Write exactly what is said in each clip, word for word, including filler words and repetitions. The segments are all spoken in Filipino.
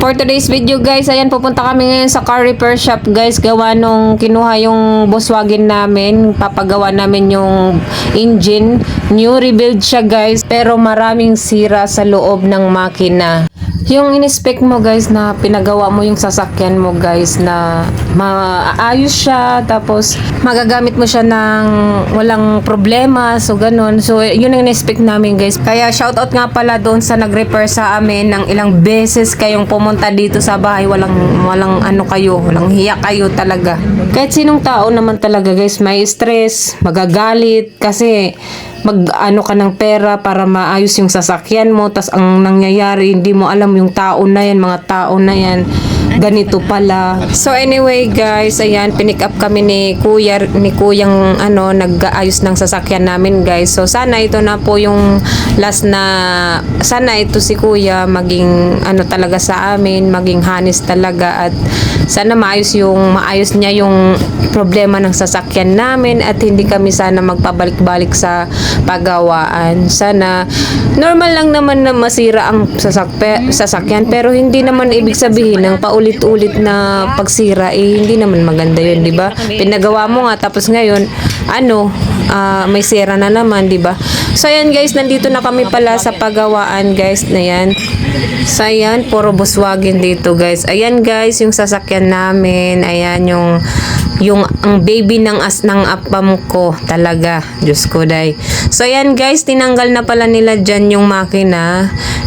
For today's video guys, ayan pupunta kami ngayon sa car repair shop guys. Gawa nung kinuha yung Volkswagen namin, papagawa namin yung engine. New rebuild siya guys, pero maraming sira sa loob ng makina. Yung in-spec mo guys na pinagawa mo yung sasakyan mo guys na maayos siya, tapos magagamit mo siya ng walang problema, so ganun. So yun ang in-spec namin guys. Kaya shoutout nga pala doon sa nag-repair sa amin ng ilang beses kayong pumunta dito sa bahay. Walang, walang ano kayo, walang hiya kayo talaga. Kahit sinong tao naman talaga guys, may stress, magagalit kasi mag ano ka ng pera para maayos yung sasakyan mo, tas ang nangyayari hindi mo alam yung tao na yan, mga tao na yan ganito pala. So anyway guys, ayan pinick up kami ni kuya ni kuyang ano nag-aayos ng sasakyan namin guys. So sana ito na po yung last na, sana ito si kuya maging ano talaga sa amin, maging honest talaga, at sana maayos yung maayos niya yung problema ng sasakyan namin at hindi kami sana magpabalik-balik sa pagawaan. Sana normal lang naman na masira ang sasakpe, sasakyan, pero hindi naman ibig sabihin ng paulit-ulit na pagsira eh hindi naman maganda yun, di ba? Pinagawa mo nga tapos ngayon ano uh, may sira na naman, di ba? So ayan guys, nandito na kami pala sa pagawaan guys na yan. So ayan, puro Volkswagen dito guys. Ayan guys, yung sasakyan namin. Ayan yung yung ang baby ng as ng apam ko talaga. Diyos ko day. So ayan guys, tinanggal na pala nila dyan yung makina.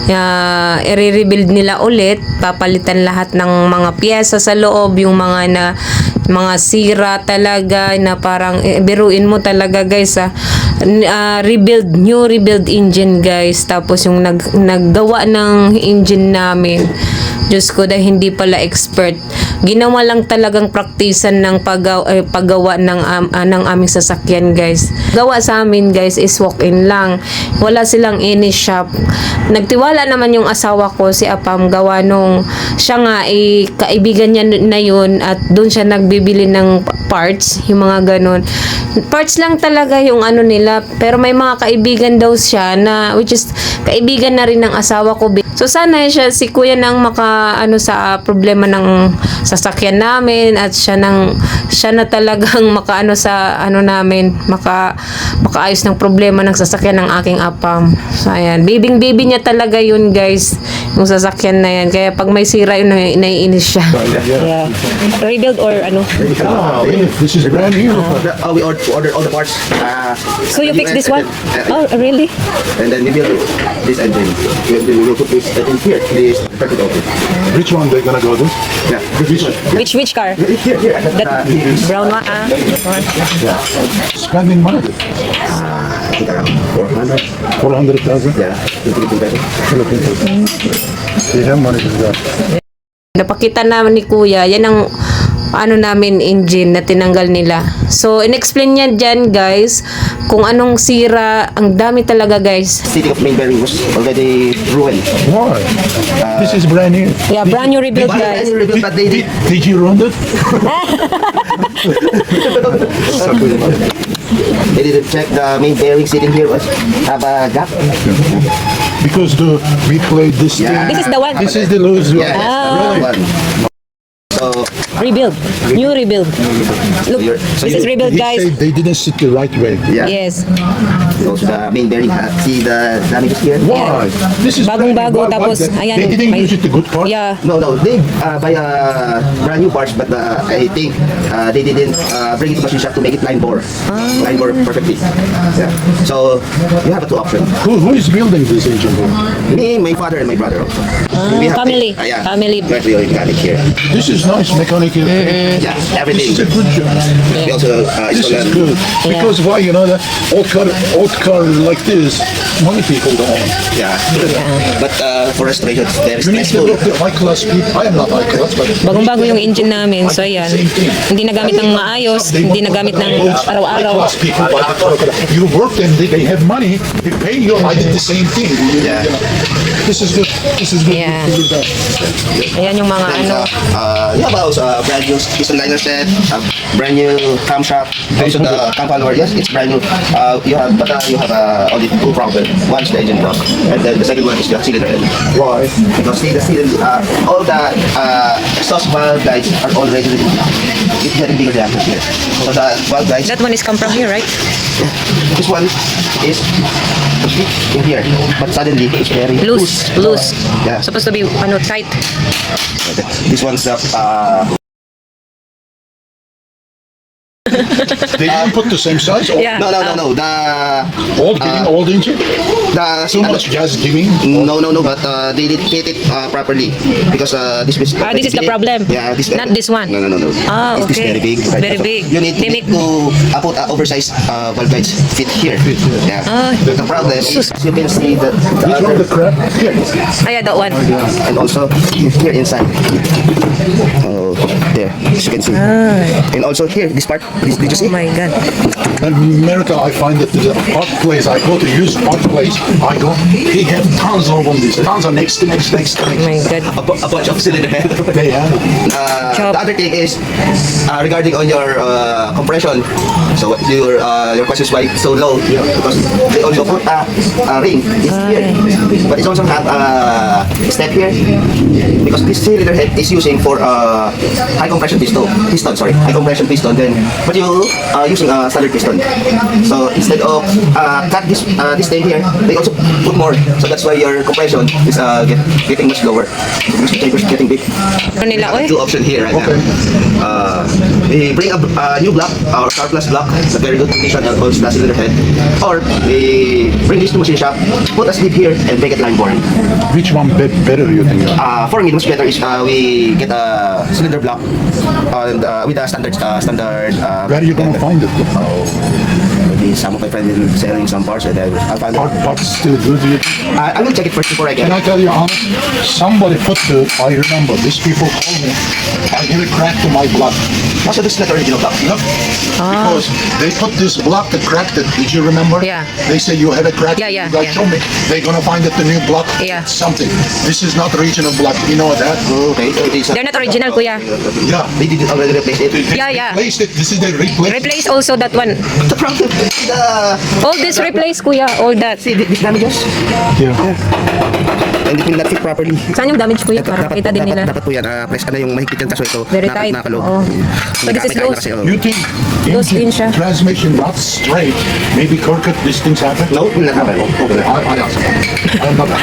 Uh, i-rebuild nila ulit. Papalitan lahat ng mga piyesa sa loob, yung mga na mga sira talaga na parang eh, biruin mo talaga guys ah. Uh, rebuild, new rebuild engine guys. Tapos yung nag, naggawa ng engine namin, Diyos ko dahil hindi pala expert, ginawa lang talagang praktisan ng paggawa, eh, paggawa ng, um, uh, ng aming sasakyan guys. Gawa sa amin guys is walk-in lang, wala silang any shop. Nagtiwala naman yung asawa ko si Apam, gawa nung siya nga eh, kaibigan niya na yun at doon siya nagbibili ng parts, yung mga ganun. Parts lang talaga yung ano nila, pero may mga kaibigan daw siya na which is kaibigan na rin ng asawa ko. So sana siya si kuya nang maka ano sa uh, problema ng sasakyan namin, at siya nang siya na talagang makaano sa ano namin, maka makaayos ng problema ng sasakyan ng aking Apam. So ayan, bibing baby niya talaga yun guys, yung sasakyan na yan. Kaya pag may sira yun, naiinis siya. Yeah. Rebuild or ano? Oh, this is brand new. Uh, we ordered order all the parts. Uh, So you fix this one? Oh, really? And then we build this engine. We, we will put this in here. This circuit over. Which one they gonna go to? Yeah, this one. Which which car? Here, here. That Uh, brown one? Ah. Yeah. Spending money. I think around four hundred. Four hundred thousand. Yeah, Philippine peso. They have money for that. Napakita naman ni kuya, yan ang ano namin engine na tinanggal nila. So in-explain niya dyan guys kung anong sira, ang dami talaga guys. City of main bearing was already ruined. Why? This is brand new. Yeah, brand new rebuild But, guys. rebuilt, but they Did, did. did you run it? They didn't check the main bearing sitting here was have a gap. Because the we played this Yeah. thing. This is the one. This is the loose one. Yeah, that's the Ah. one. So Rebuild. New rebuild. Look, you're- so this is you- rebuild He guys. said they didn't sit the right way. yeah. Yes. Also the main bearing. Uh, see the damages here. Why? This is brand new. Bagong-bago, Why- why tapos, they- ayan, They didn't may- use it the good part. Yeah. No, no, they uh, buy a brand new parts, but uh, I think uh, they didn't uh, bring it to machine shop to make it line bore, line bore perfectly. Yeah. So you have a two option. Who, who is building this engine? Me, my father, and my brother also. We have family. uh, yeah, Family. Directly mechanic here. This is nice mechanical. Yeah, This everything. is a good job. We also uh, This is install good because why you know that old car, old car like this, many people don't own. Yeah. But uh, for restoration, it's very You need to stressful. look at high class people. I am not high class, but Bagong-bago yung engine namin. So ayan. Hindi nagamit ng maayos, hindi nagamit ng high araw-araw. class people buy the car. You work and they, they have money. They pay you. I did the same thing. You- Yeah. you know. This is good. This is good. Yeah. Good, good, good. Ayan yung mga And, ano. uh, uh, you have also uh, uh, brand new piston liner set, uh, brand new camshaft, also the cam follower. Yes, it's brand new. Uh, you have, but uh, you have uh, only two problems. One is the engine block, and then the second one is the cylinder head. Why? Because see, the cylinder, uh, all the uh, exhaust valve guides are already it's getting bigger diameters here. So the valve guides, That one is come from here, right? this one is in here, but suddenly it's very Loose, loose. Yeah. Supposed to be ano tight. This one's the uh, They didn't put the same size? Or Yeah. no no no no the Old giving, old engine? the Too much gas giving? No, no, no, but uh, they didn't hit it uh, properly because uh, this is Ah, this is the problem. Yeah, this Not this one. No, no, no, no. Ah, It's this okay. very big. Very So big. You need, They you need make- to uh, put uh, oversized uh, valve guides fit here. Fit here. Yeah. Ah. The problem is you can see that the Which one, other, the crap? Here. Ah, yeah, that one. and also here inside. Oh, there, as you can see. And also here, this part. Did, did you see? Oh my God. In America, I find that the hot place, I go to use hot place, I go, he have tons of them, these tons of next to next, next to Oh next. my God. A, bu- a bunch of cylinder head. They have it. Uh, Chop. the other thing is uh, regarding on your uh, compression. So what your uh, your question is why it's so low? Because they also put a, a ring it's here, but it also have a step here because this cylinder head is using for uh, high compression piston. Piston, sorry, high compression piston. Then, but you are using a standard piston. So instead of uh, cut this uh, this thing here, they also put more. So that's why your compression is uh, get, getting much lower. So the chamber is getting big. Ano nila, oy? Two option here right Okay. now. Uh, we bring a uh, new block, our Star Plus block, a very good condition and also plus cylinder head. Or we bring this to machine shop, put a slip here and make it line boring. Which one be- better you think? Uh, for me, much better is uh, we get a cylinder block and uh, with a standard uh, standard. Uh, Where are you gonna find it? maybe some of my friends will selling some parts and then I'll find Hot it. parts still good? You- I, I will check it first before I get Can I it. tell you honest? Somebody put the, I remember, these people told me, I hear a crack to my block. Also, this is not the original block. Look, because they put this block that cracked it. Did you remember? Yeah. They say you had a crack. Yeah, yeah, You guys yeah. show me. They're gonna find that the new block. Yeah. Something. This is not original block. You know that? Okay, so it is. They're not original, kuya. Yeah. They did already replace it. They, they Yeah, yeah. replaced it. This is the replace. Replace also that one. The problem, the All this replace, kuya. All that. see this damages. Yeah. And it will not fit properly. Saan yung damage, kuya? Para Dapat, makita din dapat, nila. dapat po yan, uh, press ano yung mahigpit yan kaso ito Very nakap- tight. nakalog. Oo. So this is Nakapit loose. kasi, oh. You think Those engine, din siya. transmission not straight, maybe crooked, these things happen? No, will not happen. Okay, I, I ask. I'm not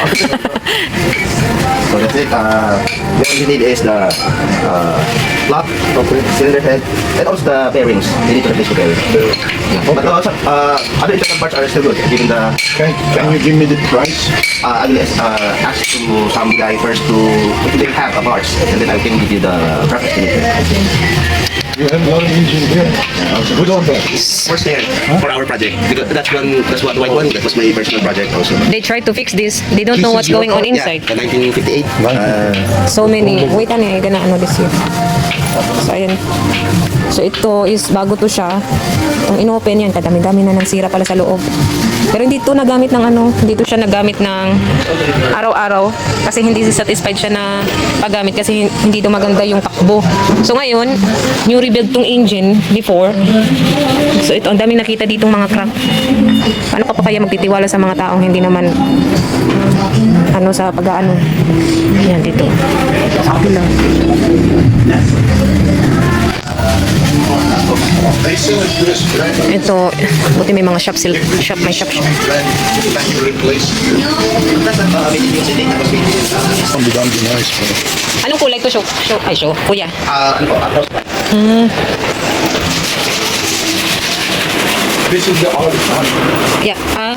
So that's it. Uh, the only need is the uh, block, cylinder head, and also the bearings. They need to replace the bearings. Yeah. But also, uh, other internal parts are still good. Given the, Okay, can you give me the price? uh, I will uh, ask to some guy first to if they have a parts, and then I can give you the rough estimate. You have a lot of engine here. Good on that. First there for our project. Because that's one. That's what the white one. That was my personal project also. They try to fix this. They don't This know is what's your going on fault? inside. Yeah, the nineteen fifty-eight. Uh, So many. Wait, ano eh. Gana ano this year. So, ayan. So, ito is bago to siya. Itong inopen yan. Kadami-dami na ng sira pala sa loob. Pero hindi to nagamit ng ano. Hindi to siya nagamit ng araw-araw. Kasi hindi satisfied siya na paggamit. Kasi hin- hindi to maganda yung takbo. So, ngayon, new rebuild tong engine before. So, ito. Ang dami nakita ditong mga crack. Paano ka pa kaya magtitiwala sa mga taong hindi naman ano sa pag-ano. Yan dito. Sa kabila. They sell it this brand new, Ito, buti may mga shop sil shop may shop shop. brand new, that you replace. that's a uh, maintenance thing. That was maintenance. Uh, Some be done be nice, bro. Anong kulay to show? Show ay show. Kuya. uh, ano po, across. This is the old one. Yeah. Ah.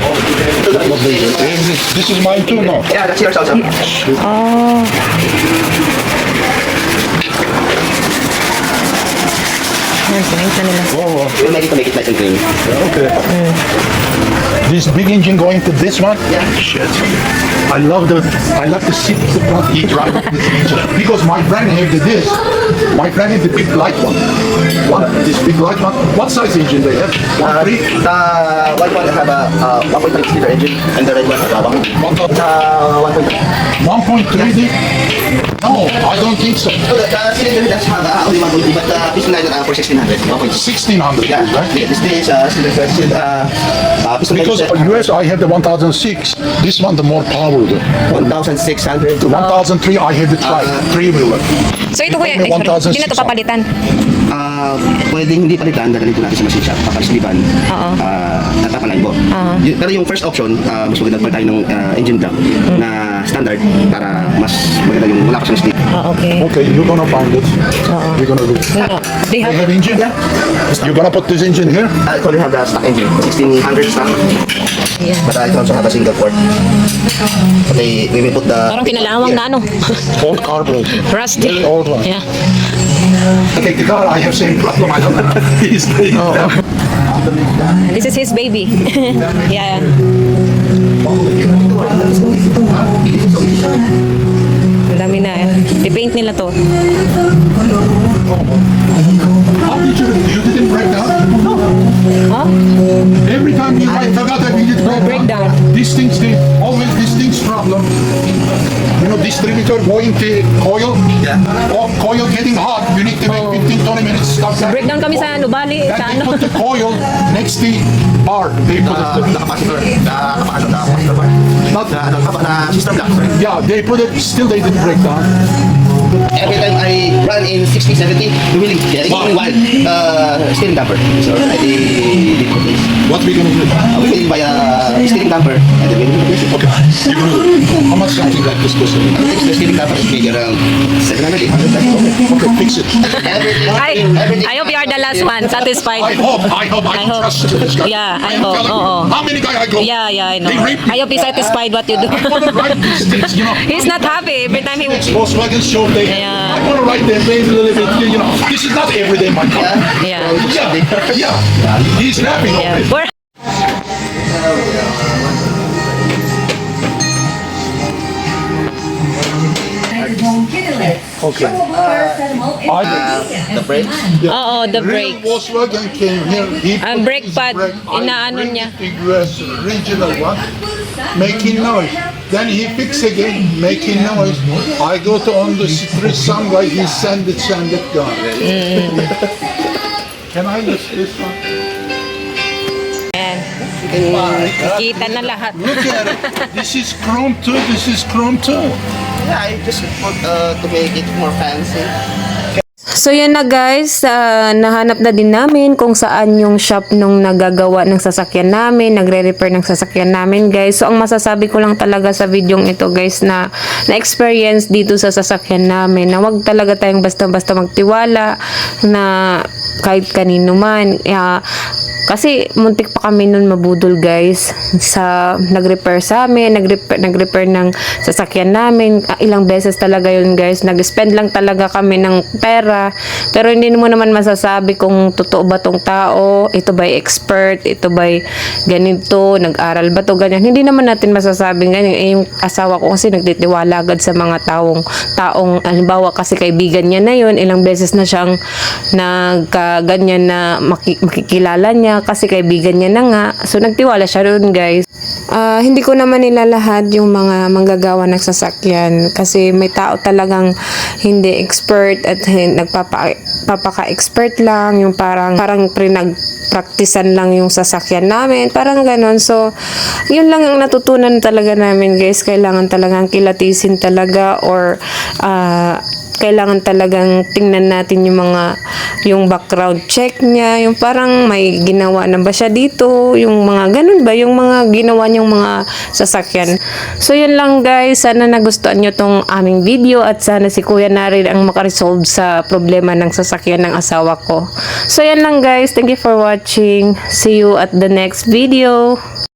This is mine too, no? Yeah, that's yours also. Oh. Yan, sinayos na nila. Oh, We'll make it to make it nice and creamy. Okay. This big engine going to this one? Yeah. Shit. I love the I love to sit the front seat drive this engine because my friend had the this. My friend had the big light one. What? This big light one. What size engine they have? One Uh, three. the white one have a uh, one point six liter engine, and the red one have a one. Uh, one point three. one point three. No, I don't think so. So the, the cylinder does have uh, only one point two, but the piston liner uh, for sixteen hundred. one point six. sixteen hundred, Yeah, right? this is uh, cylinder uh, uh, piston Because liner U S I have the one thousand six. This one the more power though. one thousand six hundred. The one thousand three I have the tri three wheeler. So ito kuya, ay, one thousand sorry, hindi na to six. papalitan. Ah, pwedeng hindi palitan, dadalhin ko natin sa machine shop, papalisliban, Oo. ah, at papalain mo. Y- Pero yung first option, ah, mas maganda pa tayo ng ah, engine block na standard para mas maganda yung wala pa siyang stick. Ah, okay. Okay, you're gonna find it. We're gonna do. No, they They have, have engine? Yeah. You're gonna put this engine here? I actually have the stock engine, sixteen hundred stock, yeah. but I also have a single port. Okay, we will put the... Parang kinalawang na ano. Old carburetor. Rusty. Very old one. Yeah. Okay, the car I have same problem. I don't know. He's This is his baby. Yeah. Ang dami na eh. I-paint nila to. How did you, you didn't break down? Huh? Every time you I forgot that we did break, breakdown. These things, they always these things problem. You know, distributor going to coil. Yeah. Or coil getting hot. You need to make fifteen to twenty minutes stop that. Breakdown kami sa Nubali. Then Sa they ano. put the coil next to bar. They put Uh, it. the capacitor, the, the, ano, the capacitor part. Not the, ano, the system block, sorry. Yeah, they put it. Still, they didn't break down. Every time I run in sixty, seventy, the wheeling, yeah, it's only one, uh, steering damper. So I did, did put this. What we gonna do? Uh, we will buy a steering damper, and then we will replace it. Okay, you gonna do? How much something like this cost? I think the steering damper is maybe around seven hundred, eight hundred. Okay, fix it. Everything, I, everything. I hope you are the last one. I Satisfied. hope, I hope, I, I hope. trust this guy. Yeah, I am hope, telling you, oo. How many guys I go? Yeah, yeah, I know. They rape me. I hope he's satisfied what you do. I wanna write these things, you know. He's not happy every time he... Volkswagen show they Yeah. I wanna write their name a little bit, you know. This is not everyday my car. Yeah. Yeah, yeah. He's happy. Yeah. Yeah. We're- Okay. I, The brakes. Oo, the real brake. Volkswagen came here. He Ang put brake his pad, brake. I inaano bring niya. it to U S original one, making noise. Then he fix again, making noise. I go to on the street somewhere, he send it, send it, gone. Can I use this one? Ayan. Kita na lahat. Look at it. This is chrome too. This is chrome too. Yeah, I just want uh, to make it more fancy. So yan na guys, ah, nahanap na din namin kung saan yung shop nung nagagawa ng sasakyan namin, nagre-repair ng sasakyan namin guys. So ang masasabi ko lang talaga sa videong ito guys na na-experience dito sa sasakyan namin na wag talaga tayong basta-basta magtiwala na kahit kanino man. Ah, kasi muntik pa kami nun mabudol guys sa nag-repair sa amin, nag-repair, nag-repair ng sasakyan namin. Ah, ilang beses talaga yun guys. Nag-spend lang talaga kami ng pera. Pero hindi mo naman masasabi kung totoo ba tong tao, ito ba'y expert, ito ba'y ganito, nag-aral ba to, ganyan. Hindi naman natin masasabing ganyan. Eh, yung asawa ko kasi nagtitiwala agad sa mga taong, taong, halimbawa kasi kaibigan niya na yun, ilang beses na siyang nagkaganyan na maki, makikilala niya kasi kaibigan niya na nga. So, nagtiwala siya rin guys. Ah, hindi ko naman nilalahad yung mga manggagawa ng sasakyan kasi may tao talagang hindi expert at hin- nagpapa papaka-expert lang, yung parang parang pinag-practicean lang yung sasakyan namin, parang ganon. So yun lang ang natutunan talaga namin guys, kailangan talagang kilatisin talaga or ah, kailangan talagang tingnan natin yung mga yung background check niya, yung parang may ginawa na ba siya dito, yung mga ganun ba, yung mga ginawa niyang mga sasakyan. So yun lang guys, sana nagustuhan nyo tong aming video at sana si Kuya na rin ang makaresolve sa problema ng sasakyan ng asawa ko. So yan lang guys, thank you for watching. See you at the next video.